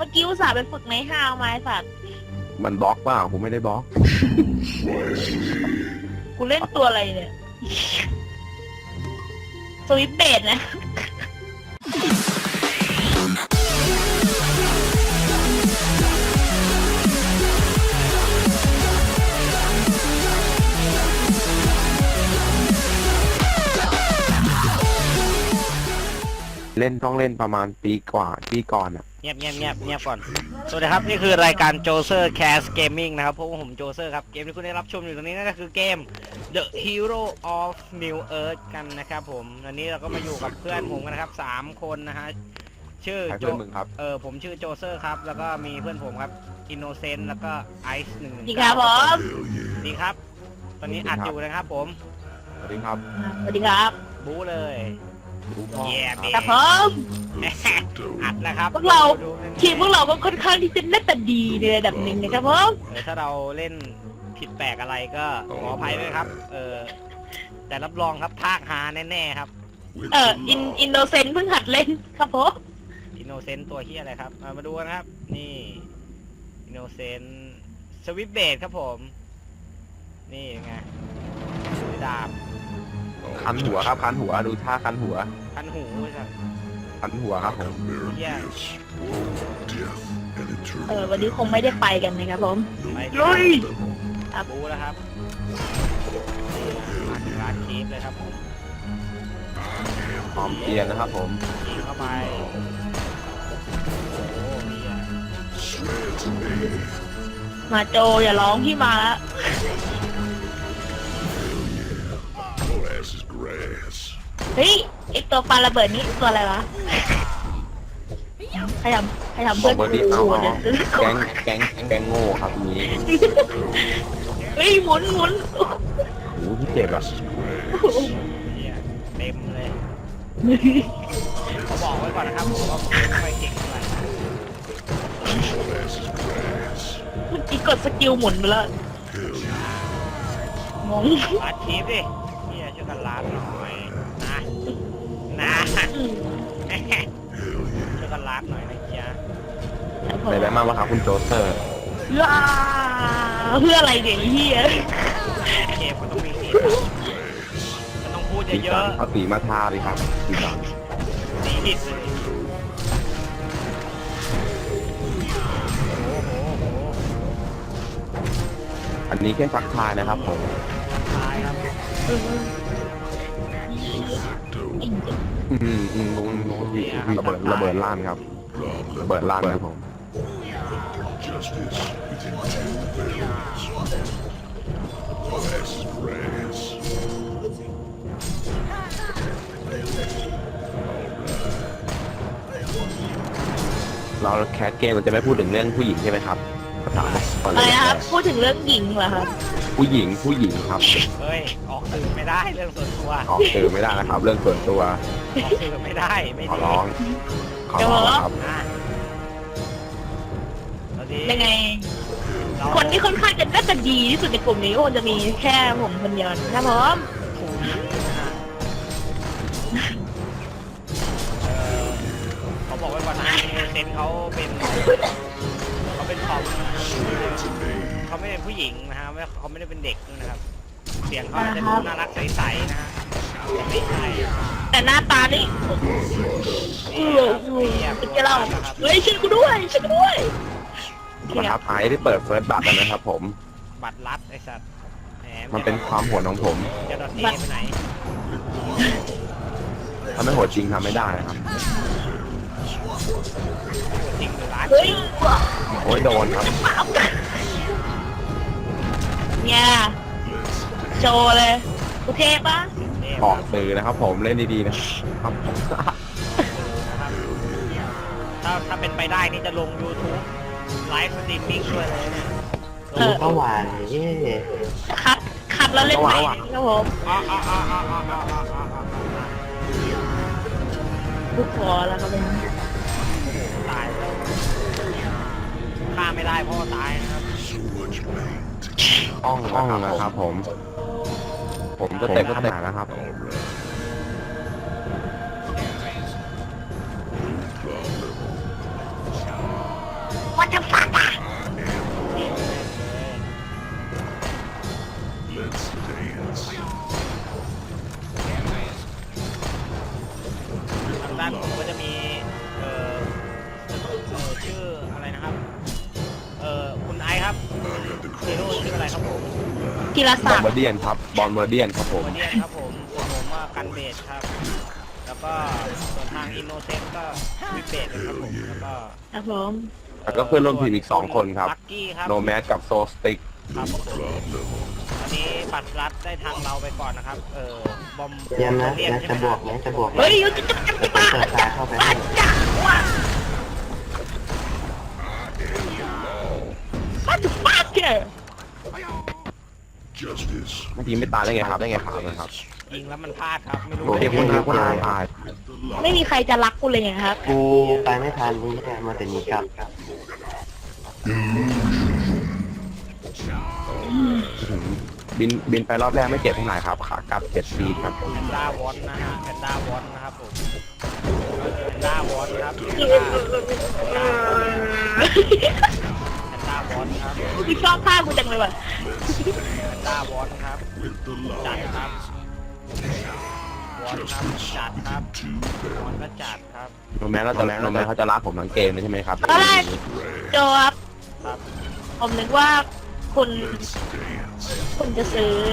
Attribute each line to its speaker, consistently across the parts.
Speaker 1: มื่อกี้อุตส่าห์ไปฝึกในห้าวมาไอ้สัตว์
Speaker 2: มันบล็อกเปล่าผมไม่ได้บล็อก
Speaker 1: กูเล่นตัวอะไรเนี่ยสวิตเบดนะ
Speaker 2: เล่นต้องเล่นประมาณปีกว่าปีก่อนอ่ะ
Speaker 3: เงียบก่อนสวัสดีครับนี่คือรายการโจเซอร์แคสเกมมิ่งนะครับพวกผมโจเซอร์ครับเกมที่คุณได้รับชมอยู่ตรงนี้นั่นก็คือเกม The Hero of New Earth กันนะครับผมวันนี้เราก็มาอยู่กับเพื่อนผมกันนะครับ3คนนะฮะชื่อ
Speaker 2: ใคร
Speaker 3: โจ
Speaker 2: เพื่อนมึงครับ
Speaker 3: ผมชื่อโจเซอร์ครับแล้วก็มีเพื่อนผมครับอินโนเซนต์แล้วก็ไอซ์หนึ่ง
Speaker 1: ดีครับผม
Speaker 3: ดีครับ ตอนนี้อัดอยู่นะครับผม
Speaker 2: สวัสดีครับ
Speaker 1: สวัสดีครับ
Speaker 3: บู๊เลย
Speaker 2: รู้พ่อ
Speaker 3: แย่
Speaker 2: ครับ
Speaker 3: เบ๊
Speaker 1: ครับผม
Speaker 3: อัดแล้วครับ
Speaker 1: พวกเรา
Speaker 3: ดูหนึ่ง
Speaker 1: ทีมพวกเราก็ค่อนข้างที่จะเล่นแต่ดีในระดับหนึ่งนะครับผม
Speaker 3: ถ้าเราเล่นผิดแปลกอะไรก็ขออภัยด้วยครับ แต่รับรองครับภาคฮาแน่ๆครับ
Speaker 1: อินโนเซนต์เพิ่งหัดเล่นครับผม
Speaker 3: อินโนเซนต์ตัวเฮียอะไรครับ มาดูกันครับ นี่อินโนเซนต์สวิปเบดครับผม นี่ไงถือดาบ
Speaker 2: คันหัวครับคันหัวดูท่าคันหัว
Speaker 3: คันหูครับ
Speaker 2: คันหัวครับผม
Speaker 3: เฮีย
Speaker 1: วันนี้คงไม่ได้ไปกันนะครับผม
Speaker 3: ไป
Speaker 1: ลุย
Speaker 3: บูแล้วครับนี่มาถึงร้านเคฟเลยครับผม
Speaker 2: หอมเกียร์นะครับผม
Speaker 3: ยิงเข้าไปโอ้โหเฮีย
Speaker 1: มาโจอย่าร้องพี่มาแล้วเฮ้ยไอตัวปลาระเบิดนี่ตัวอะไรวะใครทำ
Speaker 2: บอ
Speaker 1: เพื่อก น
Speaker 2: เบอร์ดี้
Speaker 1: กู
Speaker 2: เอา
Speaker 1: เนี่ย
Speaker 2: แก๊งโง่ครับนี้
Speaker 1: เฮ้ยหมุน
Speaker 2: โอ้โหพี่เจ็บอ่ะ
Speaker 3: เฮียเต็มเลยเขาบอกไว้ก่อนนะครับผมว่าผมไม่ค่อยเก่งเท่าไหร่
Speaker 1: เมื่อกี้กดสกิลหมุนไปแล้วงง
Speaker 3: ลาดชีฟดิเฮียช่วยกันลาดหน่อยนะ ช่วยกันลาดหน่อยนะเฮีย
Speaker 2: ไปได้มากวะครับคุณโจเซอร์
Speaker 1: เพื่ออะไรเนี่ยไอ้เฮีย
Speaker 3: เกมก็ต้องมีสีมันต้องพูด
Speaker 2: สี
Speaker 3: เย
Speaker 2: สั
Speaker 3: อะ
Speaker 2: นเอาสีมาทาดิครับสีสัน
Speaker 3: ๆสีหิดเลยโอ้โห
Speaker 2: อันนี้แค่ซักทายนะครับผม
Speaker 3: ตายครับ
Speaker 2: ลงระเบิดล้านครับระเบิดล้านครับผม เราแคสเกมมันจะไม่พูดถึงเรื่องผู้หญิงใช่ไหมครับภาษาก่อน
Speaker 1: อะไร
Speaker 2: เลย
Speaker 1: นะครับพูดถึงเรื่องหญิงเหรอครับ
Speaker 2: ผู้หญิงครับ
Speaker 3: เฮ้ยออกสื่อไม่ได้เรื่องส่วนตัว
Speaker 2: ออกสื่อไม่ได้นะครับ เรื่องส่วนตัว
Speaker 3: ออกสื่อไม่ได้ไม่
Speaker 2: ขอ
Speaker 3: ดี
Speaker 2: ร้องครับ
Speaker 3: นะเราดี
Speaker 1: ยังไง
Speaker 3: เรา
Speaker 1: คนที่ค่อนข้างจะน่าจะดีที่สุดในกลุ่มนี้ก็คงจะมีแค่ผมคนเดียวนะครับผม
Speaker 3: ถูกนะฮะเขาบอกไว้ก่อนนะเซนเขาเป็นทอมเขาไม่เป็นผู้หญิงนะฮะเขาไม่ได้เป็นเด็กนะครับ เสียงเขาจะดูน่ารักใสๆนะฮะแต่ไม่ใช่
Speaker 1: แต่หน้าตานี่เป็นแกเราเฮ้ยช่วยกูด้วยช่วยกูด้วย
Speaker 2: นะครับไอที่เปิดเฟิร์สบัตรนะครับผม
Speaker 3: บัตรลัดไอ้สัตว์แห
Speaker 2: มันเป็นความโหดของผม
Speaker 3: จะดอทเอไปไหน
Speaker 2: ถ้าไม่โหดจริงทำไม่ได้นะครับ
Speaker 3: จริงหรือร้าน
Speaker 1: เฮ้ย
Speaker 2: โอ้ยโดนครับ
Speaker 1: เนี่ยโชว์เลยกูเทปะ
Speaker 2: ออกสื่อนะครับผมเล่นดีๆนะครับ
Speaker 3: ถ้าเป็นไปได้นี่จะลง YouTube ไลฟ์สตรีมมิ่งด้วยเลยนะ
Speaker 2: เมื่อวานเย่
Speaker 1: คัดแล้วเล่นใหม่ครับผม
Speaker 3: อ๋อ
Speaker 1: กูขอแล้วครับเป็น
Speaker 3: ตายแล้วฆ่าไม่ได้เพราะว่าตายนะครับ
Speaker 2: อ่องนะครับผมจะเต็มขนาดนะครับ
Speaker 1: what the fuck อ่ะ
Speaker 3: ทางด้านผมก็จะมีชื่ออะไรนะครับคุณไอซ์ครับฮีโร่ชื่ออะไรครับผม
Speaker 1: กีฬา
Speaker 2: บ
Speaker 1: ศั
Speaker 2: อล
Speaker 1: กดิ์
Speaker 2: เบอร์เดียนครับบอลเบอร์เดียนครับผม
Speaker 3: ตัวเดียนครับผมส่วนผมว่ากันเบสครับ แล้วก็ส่วนทางอินโนเซนต์ก็วิเบสครับผมแล้วก็
Speaker 1: ครับผม
Speaker 2: แล้วก็เพื่อนร่วมทีมอีก2คนครับ
Speaker 3: ลักกี้ครับ
Speaker 2: โนแมสกับโซสติก
Speaker 3: ครับผมอันนี้ปัดรัดได้ทางเราไปก่อนนะครับบอม
Speaker 4: เดี๋ยวนะ
Speaker 3: เรียน
Speaker 4: จะ
Speaker 3: ใช่ไหม
Speaker 4: บวกไหมจะบวกไหม
Speaker 1: เฮ้ยจะ
Speaker 4: จะเปิดตาเข้าไปให้
Speaker 1: จักว่ะ what the fuck เนี่ย
Speaker 2: เมื่อกี้ไม่ตายได้ไงครับนะครับ
Speaker 3: ยิงแล้วมันพลาดครับไม่รู้
Speaker 2: โอเคคุณครับคุณตาย
Speaker 1: ไม่มีใครจะรักกูเลยไงครับ
Speaker 4: กูไปไม่ทันนี่แหละมาแต่นี้กลับ
Speaker 2: บินไปรอบแรกไม่เจ็บเท่าไหร่ครับขากลับ7 ฟีตครับ
Speaker 3: แพนด้าวอนนะฮะแพนด้าวอนนะครับผมแพนด้าวอนครับแพนด้าวอนครับ
Speaker 1: พี่ชอบภาพกูจังเลยว่ะ
Speaker 3: แพนด้าวอนครับจัดครับวอนครับจัดครับวอนก็จัดครับ
Speaker 2: โนแมสเขาจะรักผมทั้งเกมเลยใช่ไหมครับ
Speaker 1: ตอนแรกโจครับ
Speaker 3: ครับ
Speaker 1: ผมนึกว่าคุณจะซื้อ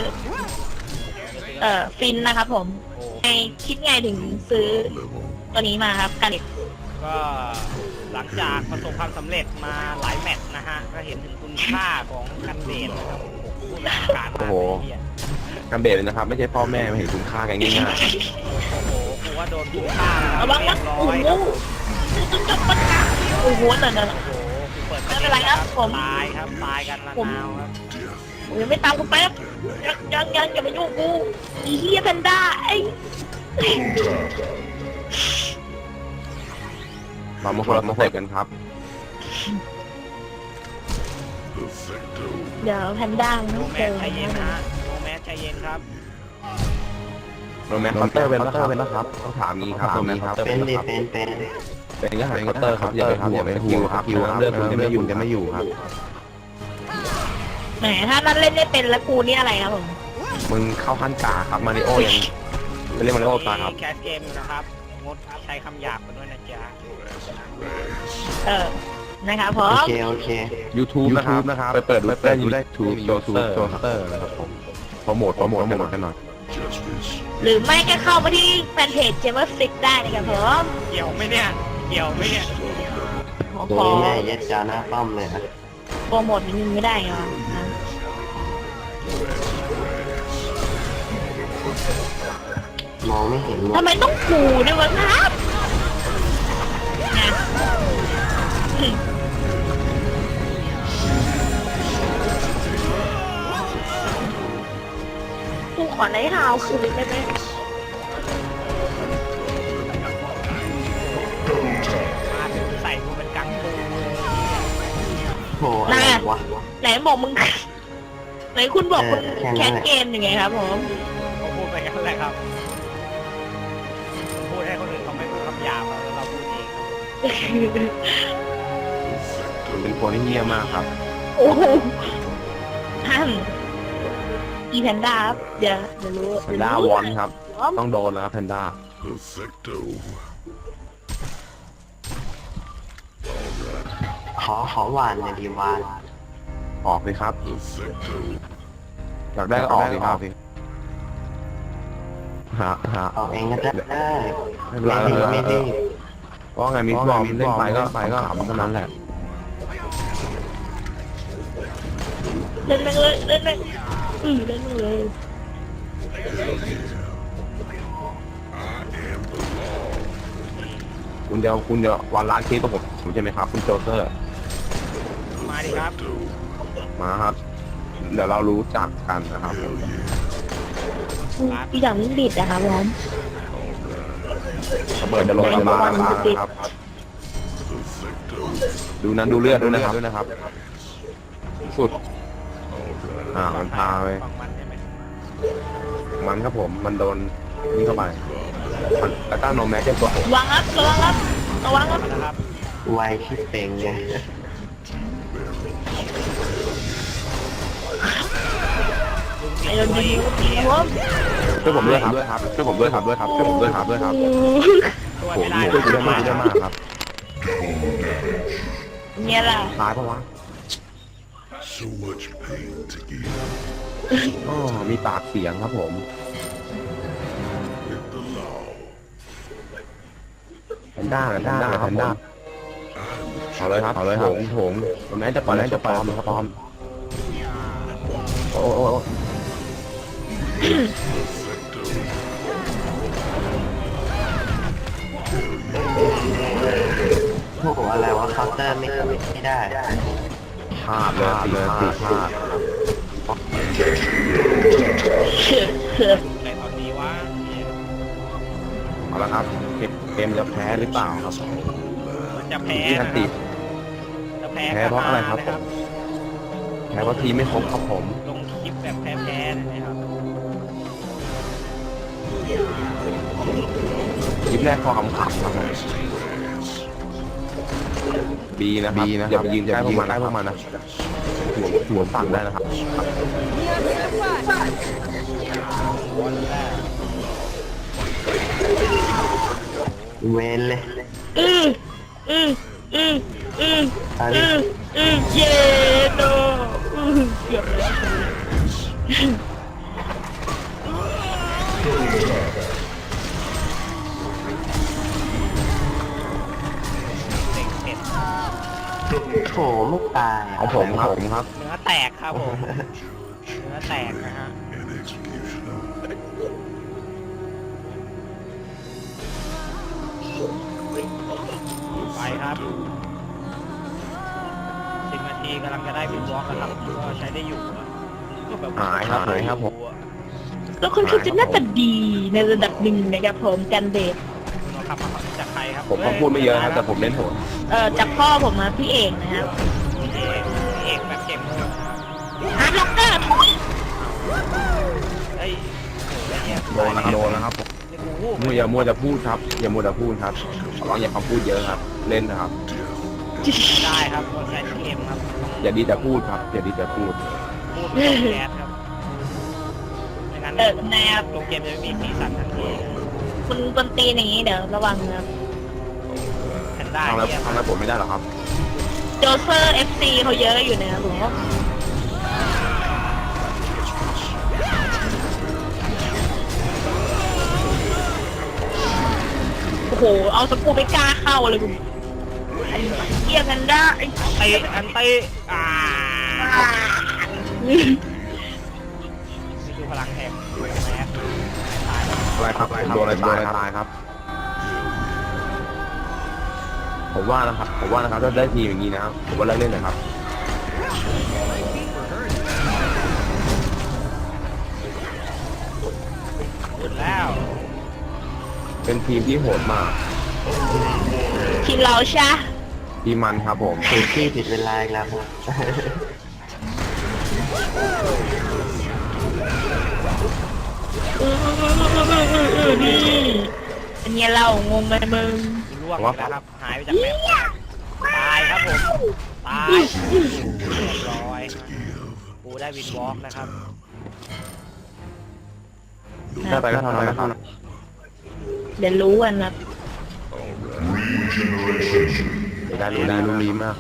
Speaker 1: ฟินนะครับผม
Speaker 3: โอ้
Speaker 1: ไงคิดไงถึงซื้อตัวนี้มาครับกันเด็ก
Speaker 3: ก็หลังจากประสบความสำเร็จมาหลายแมตช์นะฮะก็เห็นถึงคุณค่าของกันเบสนะครับผมพูดอย่างการมากเลยเฮีย
Speaker 2: กันเบสเลยนะครับ ไม่ใช่พ่อแม่ไม่เห็นคุณค่ากันง่าย
Speaker 3: โอ้โหกูว่าโดนคุณค่าแล้ว
Speaker 1: ระวัง
Speaker 3: เรี
Speaker 1: นะ
Speaker 3: ยบร้
Speaker 1: โอ้
Speaker 3: อย
Speaker 1: โห
Speaker 3: ครับผม
Speaker 1: โอ้โหนั่น
Speaker 3: โอ้โหกูเปิด
Speaker 1: ไม่เป็นไรครับผม
Speaker 3: ตายครับตายกันละนาวครับ
Speaker 1: ผมยังไม่ตามกูแป๊บยังอย่ามายุ่งกูอีเฮียแพนด้าไอ้
Speaker 2: ๆเรามาคนละสเต็ปกันครับ
Speaker 1: เดี๋ยวแพนด้ามัน
Speaker 3: โน
Speaker 1: ต้อง
Speaker 3: แม
Speaker 1: เจ
Speaker 3: ส
Speaker 1: อ
Speaker 3: ใจเย็นนะฮะโนแมสใจเย็นครับ
Speaker 2: โนแมสเคาน์เตอร์เป็นนะครับต้องถามงี้ครับโนแมสครับ
Speaker 4: เป็นดิเป็น
Speaker 2: เป็นก็หาเคาน์เตอร์ครับอย่าไปห่วงครับเลือกคุณจะไม่อยู่ครับ
Speaker 1: แหมถ้านั่นเล่นได้เป็นแล้วกูนี่อะไรครับผม
Speaker 2: มึงเข้าขั้นกาครับมาริโอยังไปเล่นมาริโอตาครับ
Speaker 3: แคสเกมอยู่นะครับงดใช้คำหยาบกันด้วยนะจ๊ะ
Speaker 1: นะครับผ
Speaker 4: โอ
Speaker 1: ม
Speaker 4: เคโอเค
Speaker 2: YouTube นะครับไปเปิดดูได้YouTube โจเซอร์นะครับผมโปรโมทกันหน่อย
Speaker 1: หรือไม่ก็เข้ามาที่แฟนเพจเจมเมอร์ฟิกได้นะครับผม
Speaker 3: เกี่ยวไหมเนี่ยเกี่ยวไหมเนี่ย
Speaker 1: ผม
Speaker 4: โด
Speaker 1: ขอ
Speaker 4: ยแม่ยัดจาหน้าป้อมเลยอะ
Speaker 1: โปรโมทนิดนึงไม่ได้เหรอ
Speaker 4: มองไม่เห็นหมด
Speaker 1: ทำไมต้องขู่ด้วยวะครับกูขอไนท์ฮาวคืนได้ไหม
Speaker 3: มาถึงใส่กูเป็นกังฟู
Speaker 4: โหอะไรวะ
Speaker 1: ไหนบอกมึง ไหนคุณบอกคุณ
Speaker 4: แค่
Speaker 1: แค
Speaker 4: นั้น
Speaker 1: ส
Speaker 4: แหละ
Speaker 1: เกมยังไงครับผม
Speaker 3: เขาพูดไปกันแหละครับพูดให้คนอื่นเขาไม่พูดคำหยาบแล้วเราพูดเองครับ
Speaker 2: เป็นคนที่เงียบมากครับ
Speaker 1: โอ้โหฮั่นอีแพนด้าครับเดี๋ยวรู้
Speaker 2: แพนด้าวอนครับ ต้องโดนแล้วครับแพนด้า
Speaker 4: ขอหวานหน่อยดีหวาน
Speaker 2: ออกเลยครับอยากได้ก็ออกเลยครับหา
Speaker 4: ออกเองก็ได้
Speaker 2: ไม่เป็นไร
Speaker 4: ไม่รีบ
Speaker 2: เพราะไงมีบอมเล่นไปก็ขำเท่านั้นแหละ
Speaker 1: เล่นแม่งเลยเล่นแม่งเล่นแม่งเลย
Speaker 2: คุณจะวันล้านเคสกับผมใช่ไหมครับคุณโจเซอร์
Speaker 3: มาดิครับ
Speaker 2: มาครับ เดี๋ยวเรารู้จักกันนะครับ
Speaker 1: อีอย่างนี้บิดอะครับผม
Speaker 2: ระเบิดจะลงระบาดนะครับ ดูนั้นดูเลือดด้วยนะครับ สุดมันพาไป
Speaker 3: ฝั่งมันใช่ไหม
Speaker 2: มันครับผมมันโดนนี่เข้าไปแล้วก็โนแมสจะตัว
Speaker 1: ระวังครับ
Speaker 3: มาแล้วครับ
Speaker 4: ไวที่เป่งไง
Speaker 1: ไอ้โดนยิงครับ
Speaker 2: ช่วยผมด้วยครับช่วยผมด้วยครับช่วยผมด้วยครับ
Speaker 3: ช่วย
Speaker 2: โอ้
Speaker 3: ไม่
Speaker 2: โห
Speaker 3: ได้
Speaker 2: ช่วยกูได้มากครับ
Speaker 1: เนี่ยล่ะ
Speaker 2: ตายปะวะ
Speaker 5: So much pain to give
Speaker 2: อ๋อมีปากเสียงครับผม
Speaker 5: with the law.
Speaker 2: แพนด้าเอาเลยครับโถงตรงนั้นจะปลอมครับปลอมโอ้
Speaker 4: โอ้โหอะไรวะเคาน์เตอร์ไม่ได้
Speaker 2: พลาดเลยพลาด
Speaker 3: ในตอนนี้ว่า
Speaker 2: เอาละครับเกมจะแพ้หรือเปล่าครับ
Speaker 3: มันจะแพ้
Speaker 2: ที่ทั
Speaker 3: นะ
Speaker 2: น
Speaker 3: ค
Speaker 2: ติ
Speaker 3: รับจะแพ้
Speaker 2: แพ้เพราะอะไรครับ
Speaker 3: นะครับ
Speaker 2: แพ้เพราะทีมไม่ครบครับผม
Speaker 3: ลงคลิปแบบแพ้ๆนะครับ
Speaker 2: คลิปแรกพอขำๆครับบีนะครับอย่าไปยืนใกล้พวกมันนะหัวฝั่งได้นะครับ
Speaker 4: เวนเลย
Speaker 1: อือเย็นโดเกือบแล้ว
Speaker 3: เด็กเผ็ด
Speaker 4: โถไม่ตาย
Speaker 2: ของผมครับ
Speaker 3: เนื้อแตกครับผมเนื้อแตกนะฮะ
Speaker 5: and executioner.
Speaker 3: ไปครับ10 นาทีกำลังจะได้วินวอล์กนะครับก็ใช้ได้อยู่อะก็แบบ
Speaker 2: หายครับผม
Speaker 1: แล้วค่อนข้างจะน่าจะดีในระดับหนึ่งนะครับผมกันเบส
Speaker 3: เราขับมาจากใครครับ
Speaker 2: ผมก็พูดไม่เยอะครับแต่ผมเล่นโหด
Speaker 1: จากพ่อผมมาพี่เอกนะครับ
Speaker 3: เอกแบบเก่งเลยนะ
Speaker 1: ฮาร์ดล็อกเกอร์ทุย
Speaker 3: เฮ้ยโหเนี่ย
Speaker 2: โดนนะครับ
Speaker 3: นี่กูวูบ
Speaker 2: อย่ามัวจะพูดครับขอร้องอย่าคำพูดเยอะครับ เล่นนะครับ
Speaker 3: ไม่ได้ครับคนใช้เกมครับ
Speaker 2: อย่าดีแต่พูดครับอย่าดีแต่พูด
Speaker 3: พูดไม่ต้องแก๊สครับไม่งั้น
Speaker 1: แนบ
Speaker 3: ตัวเกมจะไม่มีสีสันทันที
Speaker 1: คุณกวนตีนอย่างนี้เดี๋ยวระวังนะครับ
Speaker 3: แพนด้า
Speaker 2: ทำอะไร
Speaker 3: เนี่ย
Speaker 2: ผมไม่ได้หรอครับ
Speaker 1: โจเซอร์ FC เขาเยอะอยู่นะครับผมโอ้โห เอาสกูไม่กล้าเข้าเลยคุณไอ้เหี้ยกันได้ไอ้
Speaker 3: อันเต้นี่คือพลังแห่งแมสตาย
Speaker 2: อะไรครับโดนอะไรตายครับ ผมว่านะครับถ้าได้ทีมอย่างนี้นะครับผมว่าเลิกเล่นนะครับ
Speaker 3: หมดแล้ว
Speaker 2: เป็นทีมที่โหดมาก
Speaker 1: ทีมเราใช่
Speaker 2: ทีมมันครับผม
Speaker 4: ผิดที่ผิดเวลาอีกแล้วครับ
Speaker 1: นี่อันนี้เรางงไหมมึง
Speaker 3: ล่วงอีกแล้วครับ หายไปจากแมปตายครับผม ตายเรียบร้อยกูได้วินวอล์กนะครับ
Speaker 2: ได้ไปก็เท่านั้นนะครับ
Speaker 1: เดี๋ยวรู้กันนะ
Speaker 2: ได้รู้ดีมาก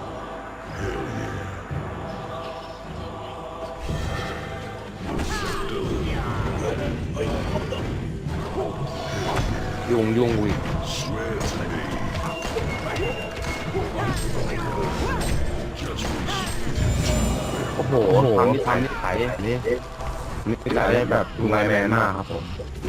Speaker 2: ยุ่งอุ้ยโอ้โหทำนี่ไถนี่ไถได้แบบดูไลแมนมากครับผม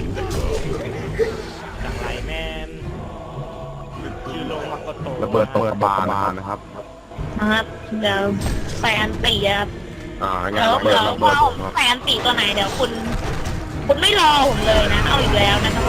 Speaker 3: จากไลแมนชื่อโลมาโกโต
Speaker 2: ระเบิดตกกระบาลนะครับ
Speaker 1: ครับเดี๋ยวใส่อันตีครับ
Speaker 2: งาน
Speaker 1: แล้ว
Speaker 2: ระเบิด
Speaker 1: เราก็ใส่อันตีตัวไหนเดี๋ยวคุณไม่รอผมเลยนะ เอาอีกแล้วนะครับผม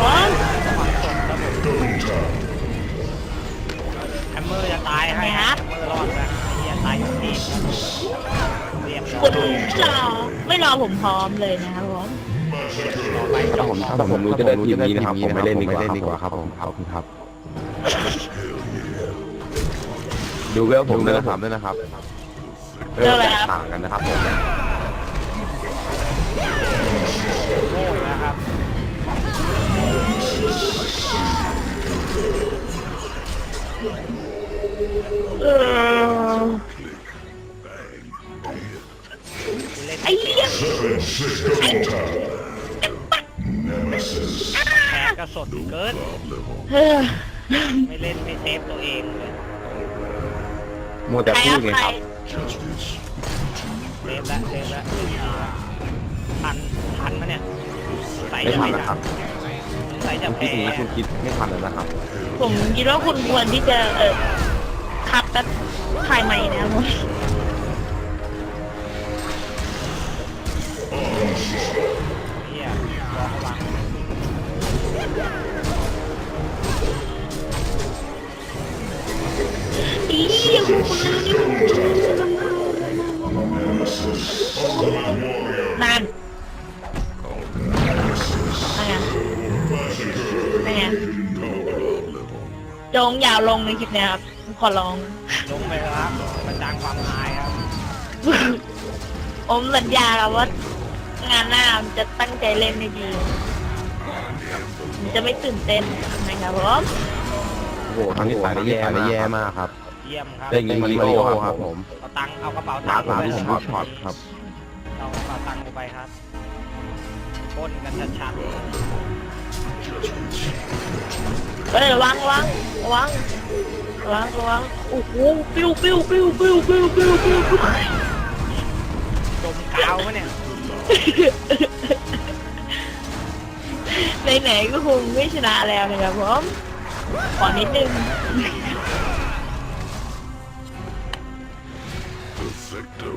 Speaker 3: แฮมเมอร์จะตายให้แฮมเมอร์รอดนะเฮียตายอยู่ที่เรียบร้อ
Speaker 1: คุณ
Speaker 3: ย
Speaker 1: ไม่รอผมพร้อมเลยนะครับผม
Speaker 3: ต่อไปจบ
Speaker 2: ถ้าผมรู้จะได้ทีมนี้นะครับผมไม่เล่นดีกว่าครับผมครับ
Speaker 5: Hell
Speaker 2: ดูเวลผมด้วยนะครับเวลต่างกันนะครับผม
Speaker 3: โง่อีกนะครับ เล่น
Speaker 1: ไอ้เหี้ย
Speaker 3: แพ้ก็สดเกิน
Speaker 1: เฮ้อ
Speaker 3: ไม่เล่นไม่เซฟตัวเองเลย
Speaker 2: มัวแต่
Speaker 1: ใคร
Speaker 2: พู
Speaker 1: ค
Speaker 2: ด
Speaker 1: รับ
Speaker 2: ไง
Speaker 1: ใคร
Speaker 2: ครับ
Speaker 3: เซฟแล้วทันมาเนี่ยใส่
Speaker 2: ไม่
Speaker 3: จะ
Speaker 2: ทัน
Speaker 3: ไม่
Speaker 2: นะค
Speaker 3: ทั
Speaker 2: รั
Speaker 3: น
Speaker 2: บ
Speaker 3: ใส่จะ
Speaker 2: คุณคิด
Speaker 3: แพ้
Speaker 2: อย่างนี้คุณคิดไม่ทันแล้วนะครับ
Speaker 1: ผมคิดว่าคุณควรที่จะคัดแล้วถ่ายใหม่นะครับผม
Speaker 3: เฮียรอเขาวาง
Speaker 1: อีเหี้ยคุณนั่นนั่นไงโจงอย่าลงในคลิปเนี้ยครับขอร้อง
Speaker 3: ลงไปแล้วครับประจานความอายครับ
Speaker 1: ผมสัญญาครับว่างานหน้าผมจะตั้งใจเล่นให้ดีผมจะไม่ตื่นเต้นนะครับผม
Speaker 2: โอ้โหทางนี้สายได้แย่มากครับ
Speaker 3: เยี่ยมครับ
Speaker 2: เรื่องนี้มาริโอครับผม
Speaker 3: เอาตังค์เอากระเป๋า
Speaker 2: หลา
Speaker 3: ตังค์
Speaker 2: ที่ผม
Speaker 3: ไป
Speaker 2: รู้ช็อตครับ
Speaker 3: เอากระเป๋าตังค์ไปครับปล้นกันชัด
Speaker 1: เฮ้ยระวังโอ้โหปิ้วๆๆๆๆๆๆ
Speaker 3: ๆจมกาวมะเนี่ย
Speaker 1: ไหนๆก็คงไม่ชนะแล้วนะครับผมขอนิดนึง
Speaker 5: Perfecto.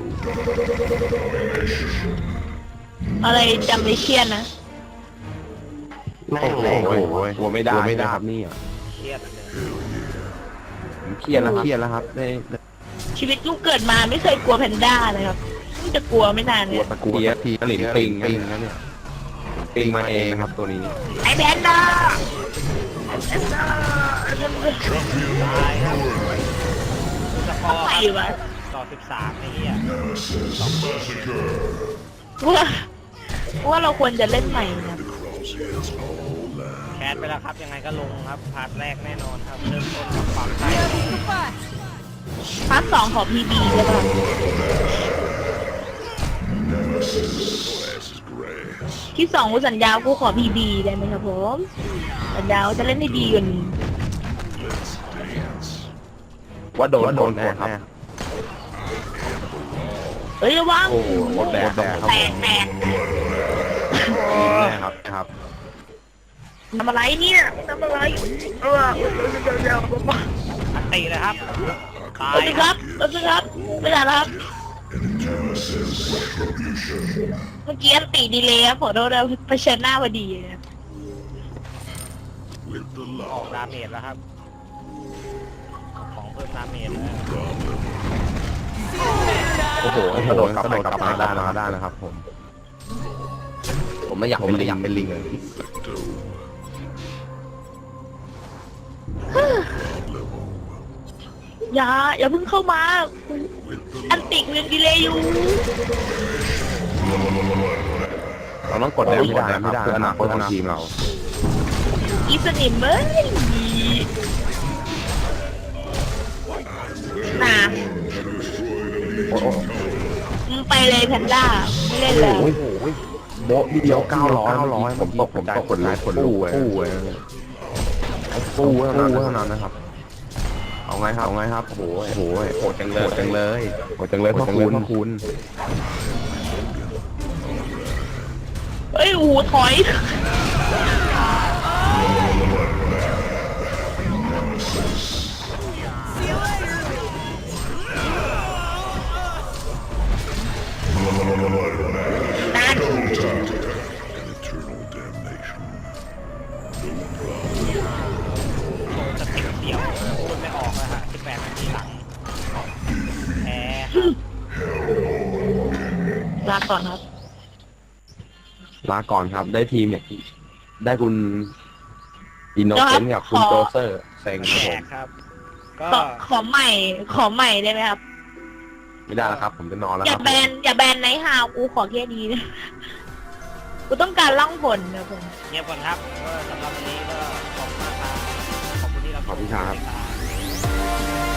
Speaker 1: อะไรจำไม่เชียนนะ
Speaker 4: แม่
Speaker 2: โอ้
Speaker 4: ง
Speaker 2: โห
Speaker 4: เลย
Speaker 2: กลัวไม่ได้ครับนี่
Speaker 3: เครียดเลย
Speaker 2: ผมเครียดแล้วครับได้
Speaker 1: ชีวิตลูกเกิดมาไม่เคยกลัวแพนด้าเลยครับเพิ่งจะกลัวไม่นาน
Speaker 2: กลั
Speaker 1: เนี่
Speaker 2: วย ตะกูทีหลินปิงนะเนี่ยปิงมาเองครับตัวนี้
Speaker 1: ไอ้แพนด้า
Speaker 3: ตายครับสกอร์
Speaker 1: ไป
Speaker 3: ครับ
Speaker 1: วะ
Speaker 3: ต่อ13ไอ้เหี้ย
Speaker 1: ว่าเราควรจะเล่นใหม่นะครับ
Speaker 3: แคสไปแล้วครับยังไงก็ลงครับพาร์ทแรกแน่นอนครับเริ่มต้นกับความใต้
Speaker 1: พาร์ท 2ของพีบีใช่ปะ ที่2กูสัญญากูขอพีบีได้ไหมครับผมสัญญาว่าจะเล่นให้ดีกว่านี้
Speaker 2: ว่าโดนแน่ครับ
Speaker 1: เฮ้ยระวัง
Speaker 2: โอ้โหหมดแดกครับ
Speaker 1: แตก
Speaker 2: แน่ครับ
Speaker 1: ทำอะไรเนี่ยทำอะไรเดี๋ยว
Speaker 3: อันตีเลยครับตาย
Speaker 1: เอาสิครับไม่ได้แล้วครับเมื่อกี้อันตีดีเลยครับขอโทษนะเผชิญหน้าพอดีนะ
Speaker 5: With the
Speaker 3: ออก
Speaker 5: lava.
Speaker 3: ดาเมจแล้วครับของเพิ่มดาเมจแล้ว
Speaker 2: โอ้โหกระโดดกลับมาได้นะครับผมไม่อยากเป็นลิงเลย
Speaker 1: อย่าเพิ่งเข้ามาอันติกูยังดีเลยอยู่
Speaker 2: เราต้องกดได้ไม่ได้ครับเพื่ออนาคตของทีมเรา
Speaker 1: อีสนิมเอ้ยน่ะ
Speaker 2: โอ้โห
Speaker 1: มึงไปเลยแพนด้าไม่เล่นแล้ว
Speaker 2: โอ้โหโบ๊ะเดียว900ผมตกขนลูกฟูเท่านั้นนะครับเอาไงครับโอ้โหโหดจังเลยพ่อคุณ
Speaker 1: เอ้ยโอ้โหถอยนั่น
Speaker 5: Eternal damnation.
Speaker 3: จะติดเดี่ยวพูดไม่ออกแล้วฮะ18นาทีหลังแพ้
Speaker 1: ลาก่อนครับ
Speaker 2: ลาก่อนครับได้ทีมเนี่ยได้คุณอินโนเซนต์กับคุณโจเซอร์เซ็งครับ
Speaker 3: แพ้
Speaker 2: ผม
Speaker 3: ครับก็
Speaker 1: ขอใหม่ได้ไหมครับ
Speaker 2: ไม่ได้แล้วครับ ผมจะนอนแล้ว
Speaker 1: อ
Speaker 2: ค
Speaker 1: ย่า
Speaker 2: รับ
Speaker 1: แบนไนท์ฮาวกูขอแค่นี้นะกูต้องการล่องผลนะผม
Speaker 3: เงียบก่อนครับก็สำหรับวันนี้ก็ขอบคุณมากครับขอบคุณที่รับชม
Speaker 2: ขอบคุณครับ
Speaker 3: ครับ